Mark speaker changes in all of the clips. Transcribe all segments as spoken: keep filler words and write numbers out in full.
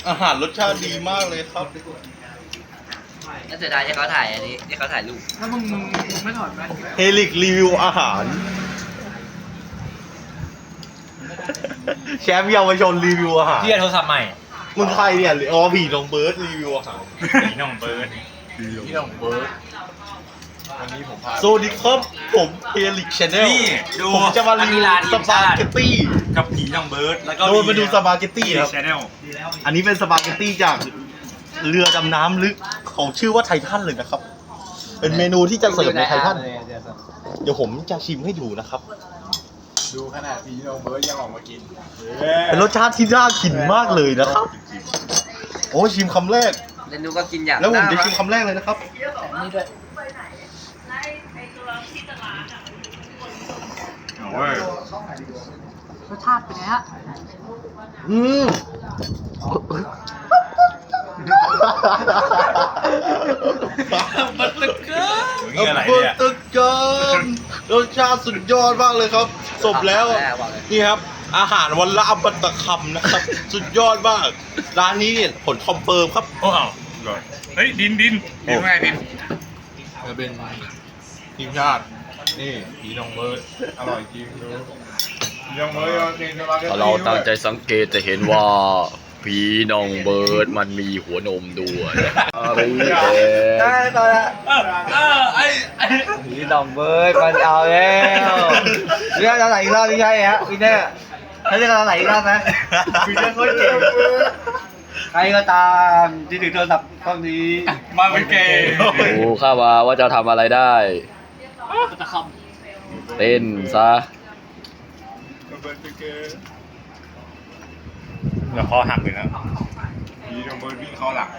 Speaker 1: อาหารรสชาติดีมากเลยครับ
Speaker 2: น่าเสียดายที่เขาถ่ายอันนี้ที่เขาถ่ายรูป
Speaker 3: ถ้ามึงมึงมึงไม่ถอดแว่น
Speaker 1: เฮลิกรีวิวอาหาร แชมป์เยาวชนรีวิวอาหาร
Speaker 4: พี่โทรศัพท์ใหม่
Speaker 1: มึงใครเนี่ยอ๋อผีน้องเบิร์ดรีวิวอาหาร
Speaker 4: ผีน้องเบิร์ด
Speaker 3: พี่น้องเบิร์ดวันนี้ผมพา
Speaker 1: สวัสดีครับผมเฮลิกชาแนล
Speaker 4: นี่ดู
Speaker 1: ผมจะมารีวิวสปาเกตตี้
Speaker 4: กับผีน้องเบิร์ดแล้วก็
Speaker 1: โดนมาดูสปาเกตตี้ครับ
Speaker 4: ชาแนล
Speaker 1: อันนี้เป็นสปาเกตตี้จากเรือดำน้ำลึกของชื่อว่าไททันเลยนะครับ เป็นเมนูที่จะเสิร์ฟในไททัน เดี๋ยวผมจะชิมให้ดูนะครับ
Speaker 3: ดูขนาดพี่น้องเบิร์ดยังออกมากิน
Speaker 1: เป็นรสชาติที่น่ากินมากเลยนะครับ โอ้ชิมคำแรก
Speaker 2: เรนูก็กินอย่าง
Speaker 1: แล้วผมจะชิมคำแรกเลยนะครับ
Speaker 2: นี่ด้วย
Speaker 4: โอ้ย
Speaker 3: รสชาติเป็นไงฮะ
Speaker 1: อืม
Speaker 2: มันตะเกียบ
Speaker 4: นี่อะไรเนี่ย
Speaker 1: ตึกเกินรสชาติสุดยอดมากเลยครับสมแล้ว นี่ครับ อาหารวันละอัมตะคำนะครับ สุดยอดมาก ร้านนี้เนี่ยผลคอมเฟิร์มครับ
Speaker 4: โอ้เอาก่อนเฮ้ยดินดินดินไงดิน
Speaker 3: จะเป็นทีมชาติ นี่พี่น้องเบิร์ดอร่อยจริงดูพี่น้องเบิร์ดยังกินสปาเกตตี้
Speaker 5: ถ้าเราตั้งใจสังเกตจะเห็นว่าผีน้องเบิร์ดมันมีหัวนมด้วยอะไรเนี่ย
Speaker 2: ได้ตอนละ
Speaker 4: เออเออไอไอ
Speaker 2: ผีน้องเบิร์ดมันเอาแล้วเรื่องอะไรอีกรอบไม่ใช่ฮะพี่เน่ถ้าเรื่องอะไรอีกรอบนะ
Speaker 1: พี่เน่โคตรเก่ง
Speaker 2: ใครก็ตามที่ถือโทรศัพท์เครื่องนี้
Speaker 4: มาเป็นเกย์
Speaker 5: ดูข้ามาว่าจะทำอะไรได้เต้นซะ
Speaker 3: เบิร์ดเป็นเกย์
Speaker 4: เดี๋ยวคอหักเลยนะ
Speaker 3: พี่น้องเบิร์ดวิ่งเข้าหลัง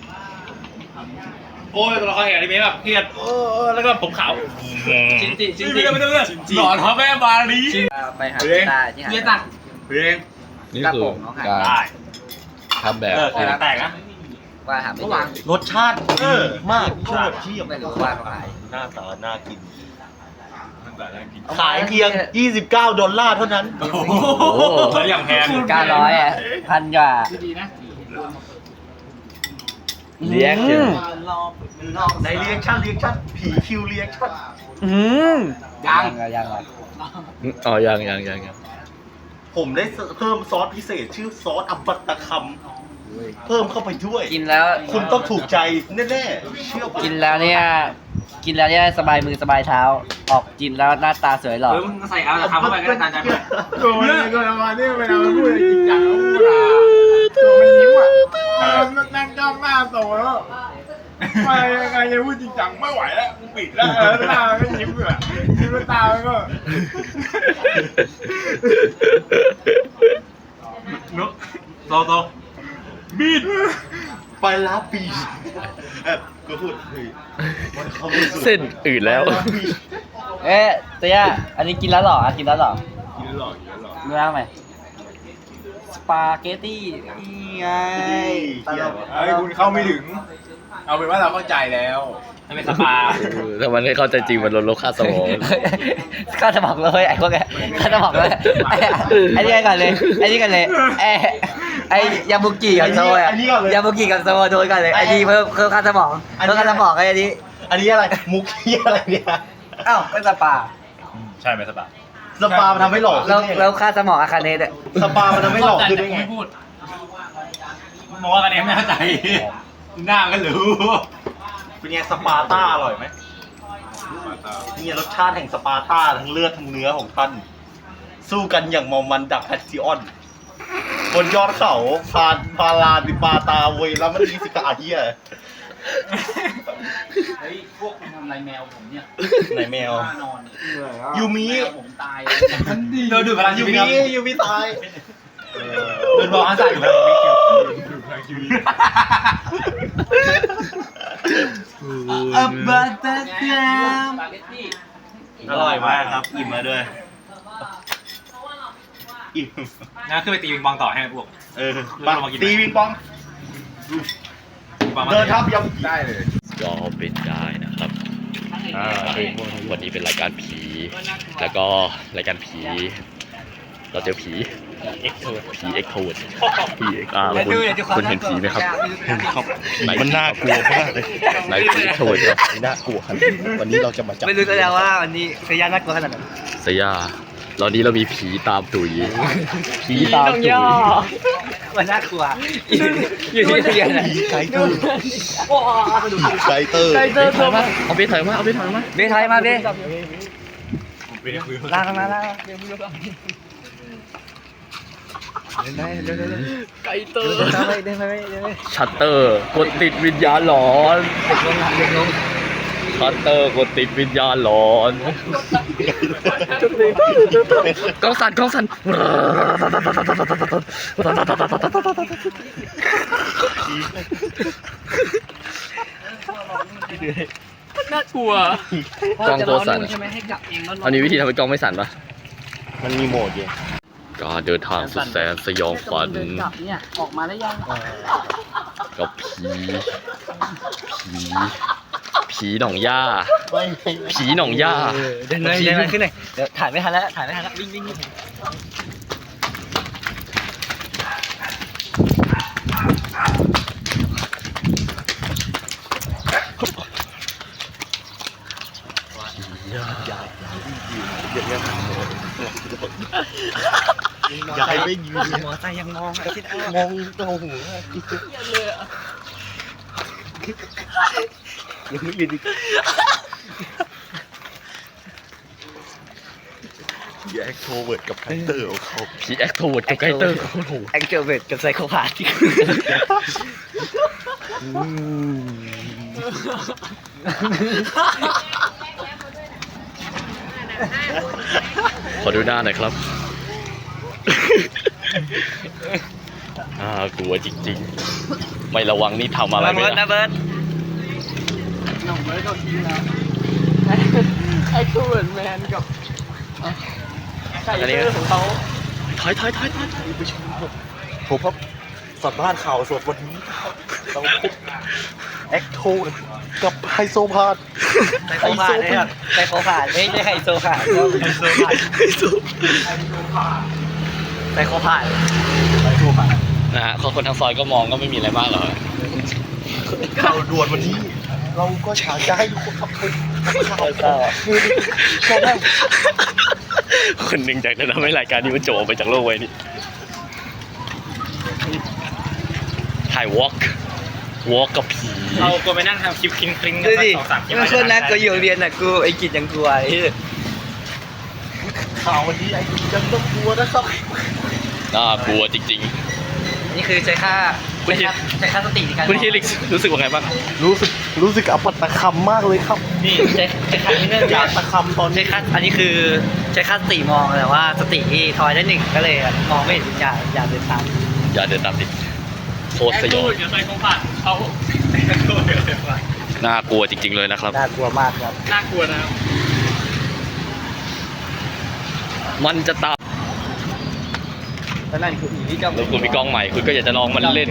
Speaker 4: โอ้ยเราเคยเห็นอนิเมะแบบเครียดเออแล้วก็ผมขาว
Speaker 2: ชินจิชินจิ
Speaker 4: ไม่ได้ไม่ได้ไม่ได้หลอนพ่อแม่บาลี
Speaker 2: ไปหาพี่ตาที่หา
Speaker 4: เรียนตังเพลง
Speaker 5: นี่คือการ
Speaker 4: ได้
Speaker 5: ทำแบบ
Speaker 4: เออแตกนะ
Speaker 2: ว่าหาไม่เจอ
Speaker 1: รสชาติดีมากโคตรเชี่ยม
Speaker 2: ไม่รู้ว่าเขาขาย
Speaker 1: หน้าตาน่ากิน
Speaker 3: มันแต่ละกิน
Speaker 1: ขายเพียง ยี่สิบเก้า ดอลลาร์เท่านั้น
Speaker 4: โอ้โหแล้วอย่างแพง
Speaker 2: เก้าร้อยอ่ะพันกว่า
Speaker 5: เลี้ยงเชียว
Speaker 1: ในเรียกชั่นเรียกชั่นผีคิวเรียกชั่น
Speaker 2: อืมยังยังเลย
Speaker 5: อ๋อยังยังยังยัง
Speaker 1: ผมได้เพิ่มซอสพิเศษชื่อซอสอัมบัตตะคำเพิ่มเข้าไปด้วย
Speaker 2: กินแล้ว
Speaker 1: คุณต้องถูกใจแน่ๆเชื่อผม
Speaker 2: กินแล้วเนี่ยกินแล้วเนี่ยสบายมือสบายเท้า ออกกินแล้วหน้าตาสวยหล่อ
Speaker 4: เฮ้ยมึงใส่เอาแต่ทำเข้าไปก็ได้ตามใจมึง
Speaker 3: โดนเลยโดนประมาณนี้เวลามันพูดจริงจังแล้วพูดอะตัวมันยิ้มอ่ะมันนั่งจ้องหน้าโตแล้วไม่ยังไงจะพูดจริงจังไม่ไหวแล้วปิดแล้วแล้วหน้าก็ยิ้มอยู่อะยิ้มแล้วตามันก็
Speaker 4: นุ๊กโตโตมีด
Speaker 1: ไปลาปีเอ๊ะก็พูดเฮ้ยมันเข้าไม่สุด
Speaker 5: เส้นอื่นแล้ว
Speaker 1: ไปาปี
Speaker 2: เอ๊ะเตี้ยอันนี้กินแล้วหรอกินแล้วหรอ
Speaker 3: กินหลอกกินหลอก
Speaker 2: เนื้อไหมสปาเกตตี้นี่ไงตลก
Speaker 3: ไอ้คุณเข้าไม่ถึง เอาเป็นว่าเราเข้าใจแล้ว
Speaker 4: ให้เป็นสปา
Speaker 5: เออถ้ามันไม่เข้าใจจริงมันลดโลค่าสมอง
Speaker 2: ข้าจะบอกเลยไอ้พวกแกข้าจะบอกเลยไอ้ไอ้นี่ก่อนเลยไอ้นี่กันเลยไอ้ไอ้ยาบุกิกับโซอ่ะยาบุกิกับโซโดนกันเลยไอ้นี่เพิ่มเพิ่มค่าสมองเพิ่มค่าสมองไอ้นี่
Speaker 1: อันนี้อะไรมุกเฮียอะไรเนี่ย
Speaker 2: อ้าวเป็นสปา
Speaker 4: ใช่ไหมสปา
Speaker 1: สปามันทำให้หล่อขึ้น
Speaker 2: แล้ว
Speaker 1: ได้ไง
Speaker 2: แล้วค่าสมองอาคาเนตอ่ะ
Speaker 1: สปามันทำให้หล่อขึ้นได้ไง
Speaker 4: ไม่พูดมองว่ากันเองไม่เข้าใจหน้าก็รู้
Speaker 1: เป็นไงสปาร์ต้าอร่อยไหมนี่รสชาติแห่งสปาร์ต้าทั้งเลือดทั้งเนื้อของท่านสู้กันอย่างเมอมันดักแพทซิออนบนยอดเขาพานพาลาดิปาตาเวยแล้วมันมีสิกาเฮีย
Speaker 6: เฮ้ย พวกคุณทำอะไรแมวผมเนี่ย
Speaker 1: ไหนแมว
Speaker 6: นอน
Speaker 1: ยูมิ
Speaker 6: แมวผมตาย
Speaker 4: เดินดูพลัง
Speaker 1: ยู
Speaker 4: ชีวิต
Speaker 1: มิ
Speaker 4: ครับ
Speaker 1: ยูมิตาย
Speaker 4: เดินบอกฮันซ่าอยู่พลังชีวิตอยู่
Speaker 3: ชีวิต
Speaker 2: อับบัตตะ
Speaker 6: แม
Speaker 2: กาม
Speaker 6: สปาเกตตี้
Speaker 1: อร่อยมากครับอิ่มมาด้วยอิ่ม
Speaker 4: งั้นขึ้นไปตีวิงบองต่อให้พวก
Speaker 1: เออมาตีวิงปอง
Speaker 4: บองมา
Speaker 1: เดินทับยัง
Speaker 3: ได้เลย
Speaker 5: ก็เป็นได้นะครับอ่าวันนี้เป็นรายการผี แล้วก็รายการผี เราเจอผีผีเอ็กโทรผีเอ็กโทรผีเอ็กอ่าคุณคุณเห็นผีไหมครับเห็นครับมันน่ากลัวมากเลยไหนผีเอ็กโทรครับน่ากลัวครับวันนี้เราจะมาจับ
Speaker 2: ไม่รู้แล้วว่าวันนี้สยามน่ากลัวขนาดไหน
Speaker 5: สยาตอนนี้เรามีผีตามตุ๋ยผีตามตุ๋ย
Speaker 2: มันน่ากลัวอยู่ที่เรียน
Speaker 1: ผีไกเตอร์ไกเตอร์
Speaker 2: ไกเตอร์ตัวมา
Speaker 5: เอาไปถอยมาเอาไปถอยมา
Speaker 2: เบทายมาเบลากมาลาก
Speaker 5: ไกเตอร์
Speaker 2: เดินไปเดินไปเดินไป
Speaker 5: ชัตเตอร์กดติดวิญญาณหลอน
Speaker 2: เด็กลงเด็กลง
Speaker 5: ชัตเตอร์กดติดวิญญาณหลอนกล้องสั่นกล้องสั่น
Speaker 4: น่ากลัว
Speaker 5: กล้องตัวสั่น
Speaker 6: ใช่ไหมให้กลับเองแล้วรอ
Speaker 5: อันนี้วิธีทำให้กล้องไม่สั่นปะ
Speaker 1: มันมีโหมดอยู่
Speaker 5: การเดินทางสุดแสนสยองขวัญ
Speaker 6: เดินกลับเนี่ยออกมาได้ยัง
Speaker 5: กับผีผีผีหนองย่าผีหนองย่า
Speaker 2: เดินเลยเดินเลยขึ้นเลยเดี๋ยวถ่ายไม่ทันแล้วถ่ายไม่ทันแล้ววิ่งวิ่งวิ่ง
Speaker 1: อย่าให้ไม่ยืน
Speaker 2: มอไซค์ยังมองคิดเอา
Speaker 1: มองตัวหัวยังไม่ยืนแยกโทรเวิร์ดกับไกเตอร์ของเขา
Speaker 5: ผีแอคโทรเวิร์ดกับไกเตอร์โอ้โห
Speaker 2: แองเจิลเวทกับไซโคพาที่
Speaker 5: ขอดูหน้าหน่อยครับอ่ากลัวจริงๆ ไม่ระวังนี่ทำอะไรไม่
Speaker 2: เบิร์ด
Speaker 5: ได้
Speaker 2: นะเบิร์ด
Speaker 6: น้องเบิร์ดก็ทีแล้วไอ้คูนแมนกับไก่เตอร์ของเขา
Speaker 5: ถอยถอยถอยถอย
Speaker 1: ผมครับสัมภาษณ์ข่าวสดวันนี้เราพบแอคโทรกับไฮโซพาด
Speaker 2: ไซโคพาเนี่ยครับไซโคพาไม่ใช่ไฮโซพาไฮโซพาไซโคพา
Speaker 5: นะฮะคนทางซอยก็มองก็ไม่มีอะไรมากหรอก
Speaker 1: ข่าวด่วนวันนี้ เราก็อยากจะให้ทุกคนทำข่าวคือชอบได้
Speaker 5: คนหนึ่งอยากจะทำให้รายการนี้มันจบออกไปจากโลกไว้นี่ถ่ายวอล์กวอล์กกับผี
Speaker 4: เราก็ไปนั่งทำคลิปคลิงคลิงกั
Speaker 2: ดู
Speaker 4: น
Speaker 2: ดิ
Speaker 4: สองสามคลิป
Speaker 2: มันคนนะกูอยู่เรียนน่ะกูไอ้กิจยังกลัวไอ้
Speaker 1: ข่าววันนี้ไอ้คุณยังต้องกลัวนะครับ
Speaker 5: น่ากลัวจริง
Speaker 2: นี่คือใช้ค่าใช้ค่าใช้ค่าสติในการ
Speaker 5: ๆคุณฮิลิกรู้สึกว่าไงบ้าง
Speaker 1: รู้สึกรู้สึกอัปตะคำมากเลยครับ
Speaker 2: นี่ใช้ใช้ค่าที่เนื่อง
Speaker 1: อยา
Speaker 2: จาก ก
Speaker 1: ตะคำตอน
Speaker 2: ใช้
Speaker 1: นี้
Speaker 2: ค่าอันนี้คือใช้ค่าสติมองแต่ว่าสติที่ทอยได้หนึ่งก็เลยมองไม่เห็นวิญญาณอย่าเดินตาม
Speaker 5: อย่าเดินตามติดโคตรสยอง
Speaker 4: เดี๋ยวใส่ของผ่านเขาแอคทูเดี๋ยวใส่ของผ่าน
Speaker 5: น่ากลัวจริง ๆเลยนะครับ
Speaker 2: น่ากลัวมากครับ
Speaker 4: น่ากลัวนะครับ
Speaker 5: มันจะตาม
Speaker 2: แล้วนั่นคือผีที่จะ
Speaker 5: แล้วคุณมีกล้องใหม่คุณก็อยากจะลองมันเล่น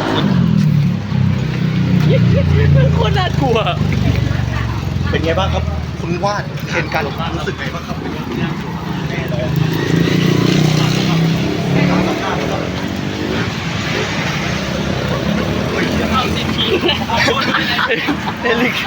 Speaker 5: โคตรน่ากลัว
Speaker 1: เป็นไงบ้างครับ คุณวาดเห็นกันรู้สึกไงบ้างครับ
Speaker 5: เอลิก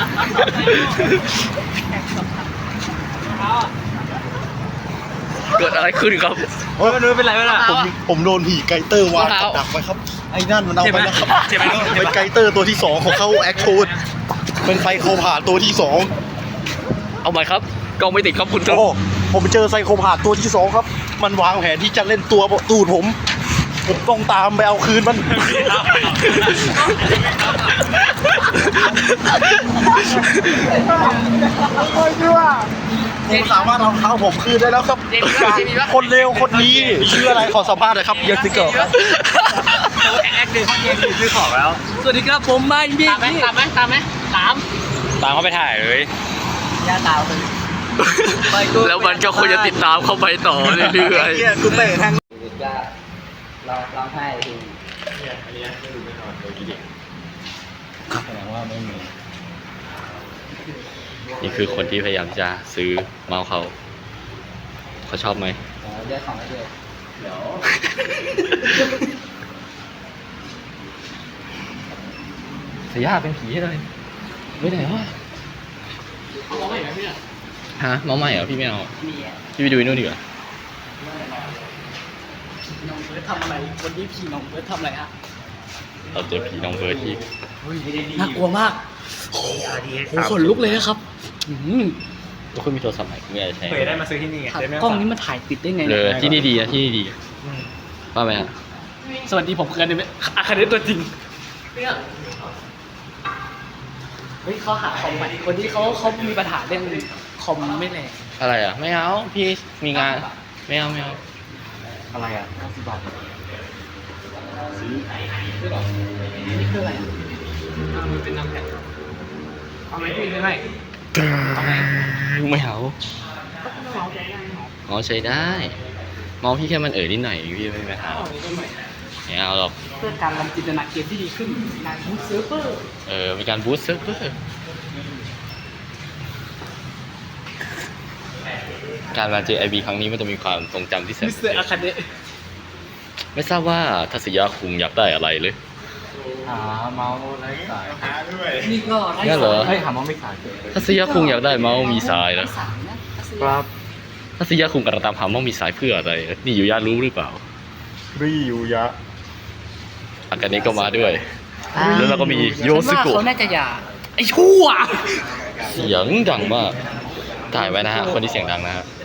Speaker 5: เกิดอะไรขึ้นครับ
Speaker 1: เฮ้ยไม่เป็นไรไม่เป็นไรผมผมโดนผีไกเตอร์วางกับดักไว้ครับ ไอ้นั่นมันเอาไปแล้วครับ
Speaker 4: เจ็บไหม
Speaker 1: เป็นไกเตอร์ตัวที่สองของเขาแอคโทนเป็นไซโคพาธตัวที่สอง
Speaker 5: เอาใหม่ครับกล้องไม่ติดครับคุณครับ
Speaker 1: โอ้ผมเจอไซโคพาธตัวที่สองครับ มันวางแผนที่จะเล่นตัวตูดผม ผมต้องตามไปเอาคืนมัน ผมสามารถเอาเท้าผมคืนได้แล้วครับคนเร็วคนนี้ชื่ออะไรขอสัมภาษณ์หน่อยครับ
Speaker 2: ยศโกะครับ
Speaker 4: แอคเดินเกมซื้อของแล้ว
Speaker 2: สวัสดีครับผมไม่พี่
Speaker 6: ตามไหมตามไหมตามไหมตาม
Speaker 5: ตามเขาไปถ่ายเลย
Speaker 2: ย่าตาวเลย
Speaker 5: แล้วมันก็ควรจะติดตามเข้าไปต่อเรื่อย
Speaker 1: เนี่ยกูเตะทาง
Speaker 2: จะร้องร้องไห้ที
Speaker 5: ๆนี่คือคนที่พยายามจะซื้อเมาส์เขาเขาชอบไหม
Speaker 2: เรื่องของไอเดีย
Speaker 5: เสียเป็นผีเลยไปไหนวะ
Speaker 6: เอามองไม่เห็นไหมพี่เนี่ย
Speaker 5: ฮะน้องใหม่เหรอพี่ไม่เอา
Speaker 6: มีอ่ะ
Speaker 5: พี่ไปดูนู่นดีกว่า
Speaker 6: น้องเบิร์ดทำอะไรวันนี้พี่น้องเบิร์ดทำอะไรฮะ
Speaker 5: เราเจอผีน้องเบิร์ดอีก
Speaker 6: น่ากลัวมากโอ้โหขนลุกเลยนะครับอืม
Speaker 5: ทุกคนมีโทรศัพท์ไหนคุณอยากจะใช้
Speaker 4: เคยได้มาซื้อที่นี่ไง
Speaker 6: ถ่าย
Speaker 4: ได้ไหม
Speaker 6: กล้องนี้มันถ่ายติดได้ไง
Speaker 5: เล
Speaker 6: เนี่ย
Speaker 5: ยที่นี่ดีนะที่นี่ดีว่าไหมฮะ
Speaker 6: สวัสดีผมคืออนอาคาเดตัวจริงเฮ้ยเขาหาคอมใหม่วันนี้เขาเขามีปัญหาเรื่องคอมไม่แรง
Speaker 5: อะไรอ่ะไม่เอาพี่มีงานไม่เอาไม่เอา
Speaker 1: อะไรอ่ะ
Speaker 6: นี่คืออะไรอ่ะมันเป็นน้ำแข็งเอาไหมพี่ไม่เอาไหม
Speaker 5: ไม่เอาอ๋อใช้ได้มองพี่แค่มันเอ่ยนิดหน่อยพี่ไม่ไม่เอาไม่เอาหรอก
Speaker 6: เพื่อการรันจินตนาเกมที่ดีขึ้นการบูสต์เซิร์ฟเวอร์
Speaker 5: เออมีการบูสต์เซิร์ฟเวอร์การมาเจอไอบีครั้งนี้มันจะมีความทรงจำที่แสน
Speaker 6: มิสเตอร์อาคาเดะ
Speaker 5: ไม่ทราบว่าทัศยาคุงอยากได้อะไรเลย
Speaker 1: หาเมาส์ไร้สาย
Speaker 3: หาด้วย
Speaker 6: นี่ก็ไร้
Speaker 5: งั้นเหรอ
Speaker 1: เฮ้ยหาเมาส์ไม่สาย
Speaker 5: ทัศยาคุงอยากได้เมาส์มีสาย
Speaker 6: ไร้
Speaker 5: นะ
Speaker 6: สายนะ
Speaker 1: ครับ
Speaker 5: ทัศยาคุงกำลังตามหาเมาส์มีสายเพื่ออะไรนี่อยู่ย่านรู้หรือเปล่า
Speaker 1: รียูยะ
Speaker 5: อากาเนะก็มาด้วย แล้วเราก็มีโย
Speaker 6: ฉั
Speaker 5: ซึ
Speaker 6: นว่า
Speaker 5: โกะ
Speaker 6: เขาน่าจะอยากไอ้ชั่ว
Speaker 5: เสียงดังมากถ่ายไว้นะฮะคนที่เสียงดังนะฮะ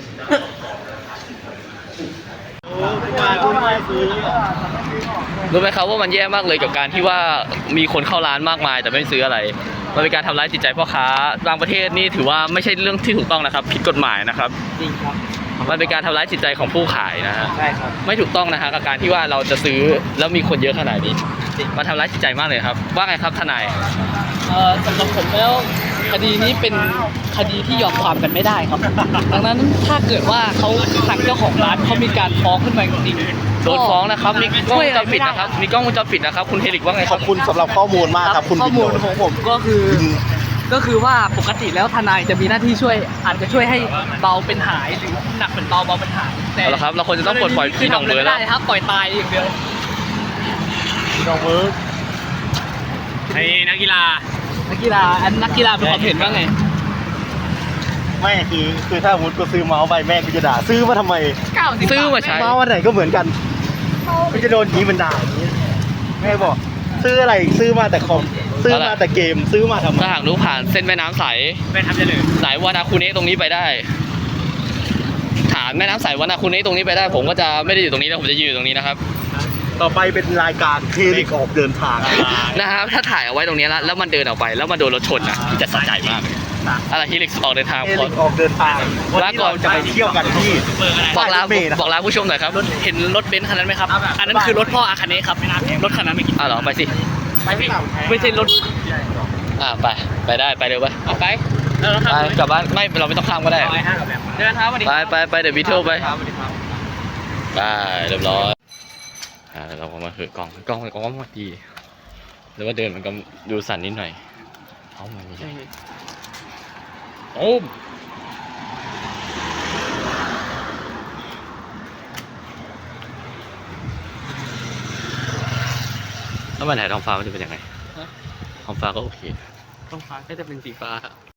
Speaker 1: มาคุณมาซื้อ
Speaker 5: รู้ไหมครับว่ามันแย่มากเลยกับการที่ว่ามีคนเข้าร้านมากมายแต่ไม่ซื้ออะไรมันเป็นการทำร้ายจิตใจพ่อค้าบางประเทศนี่ถือว่าไม่ใช่เรื่องที่ถูกต้องนะครับผิดกฎหมายนะครับ
Speaker 6: จริงครับ
Speaker 5: มันเป็นการทำร้ายจิตใจของผู้ขายนะฮะ
Speaker 6: ใช่ครับ
Speaker 5: ไม่ถูกต้องนะฮะกับการที่ว่าเราจะซื้อแล้วมีคนเยอะขนาดนี้มันทำร้ายจิตใจมากเลยครับว่าไงครับทนาย
Speaker 6: เอ่อสำหรับผมแล้วคดีนี้เป็นคดีที่ยอมความกันไม่ได้ครับ ดังนั้นถ้าเกิดว่าเขาทางเจ้าของร้านเขามีการฟ้องขึ้นมาจริงๆ
Speaker 5: โดนฟ้องนะครับมีกล้องวงจรปิด
Speaker 6: ช่วย
Speaker 5: นะครับมีกล้องวงจรปิดนะครับคุณเฮลิกว่าไง
Speaker 1: ขอบคุณสำหรับข้อมูลมากครับคุณ
Speaker 6: ข้อ
Speaker 1: บิน
Speaker 6: มู
Speaker 1: โด
Speaker 6: ลของผมก็คือก็คือว่าปกติแล้วทนายจะมีหน้าที่ช่วยอาจจะช่วยให้เบาเป็นหายหรือหนักเป็นเบาเบาเป็นหายแต่
Speaker 5: เอาละครับเราควรจะต้องปลดปล่อยพี่น้องเบิร์ด
Speaker 6: ไม่
Speaker 5: แล้ว
Speaker 6: ได้ครับปล่อยตายอย่างเดียว
Speaker 1: น้องเบิร์ด
Speaker 4: ไอ้นักกีฬา
Speaker 6: นักกีฬาอันนักกีฬาเป็นความเห็นว่าไง
Speaker 1: ไม่คือคือถ้าสมมติกูซื้อเมาส์ไปแม่กูจะด่าซื้อมาทำไม
Speaker 6: เก้าสิบ
Speaker 5: ซื้อมาใช้
Speaker 1: เมาส์อันไหนก็เหมือนกันกูจะโดนยี้มันด่าอย่างนี้แม่บอก ซื้ออะไรซื้อมาแต่คอมซื้อมาแต่เกมซื้อมาทำไม
Speaker 5: ถ้าหากรู้ผ่านเส้นแม่น้ำใส
Speaker 4: เป็นทำจะเลย
Speaker 5: สายวานาคุเนะตรงนี้ไปได้ฐานแม่น้ำใสวานาคุเนะตรงนี้ไปได้ ผมก็จะไม่ได้อยู่ตรงนี้นะผมจะยืนอยู่ตรงนี้นะครับ
Speaker 1: ต่อไปเป็นรายการเทลิกออกเดินทาง
Speaker 5: นะครับถ้าถ่ายเอาไว้ตรงนี้แล้วแล้วมันเดินออกไป แล้วมันโดนรถชนนะพี่จะสะใจมากอะไรฮิลิกออกเดินทาง
Speaker 1: เท
Speaker 5: พอ
Speaker 1: ลิกออกเดินทางวัน
Speaker 5: ลา
Speaker 1: นี้
Speaker 5: ก่อน
Speaker 1: เราจะไปเที่ยวกันที่
Speaker 5: บอกลา
Speaker 1: เมย์นะ
Speaker 5: บอกลาผู้ชมหน่อยครับ
Speaker 6: เห็นรถเบนซ์คันนั้นไหมครับ อันนั้นคือรถพ่ออาคาเนะครับรถคันนั้นไม่กิน
Speaker 5: อ้าวเหรอไปสิ
Speaker 6: ไปไม่ไม่ใช่รถ
Speaker 5: อ่าไปไปได้ไปเร็วไป
Speaker 6: เอาไปแล้วครับ
Speaker 5: ไปกลับบ้านไม่เราไม่ต้องข้ามก็ได้
Speaker 6: เอาไอ้ห้ากับแบบเดินเท้ามาดิ
Speaker 5: ไปไปไปเดี๋ยววิเทลไป
Speaker 6: ครับสวัสดีครับ
Speaker 5: ไปเรียบร้อยอ่าเราก็มาคือกล้องกล้องกล้องมาดีหรือว่าเดินมันก็ดูสั่นนิดหน่อยเอามันนี่โอ้มแล้วมันถ่ายท้องฟ้ามันจะเป็นยังไงท้องฟ้าก็โอเค
Speaker 6: ต้องฟ้าก็จะเป็นสีฟ้า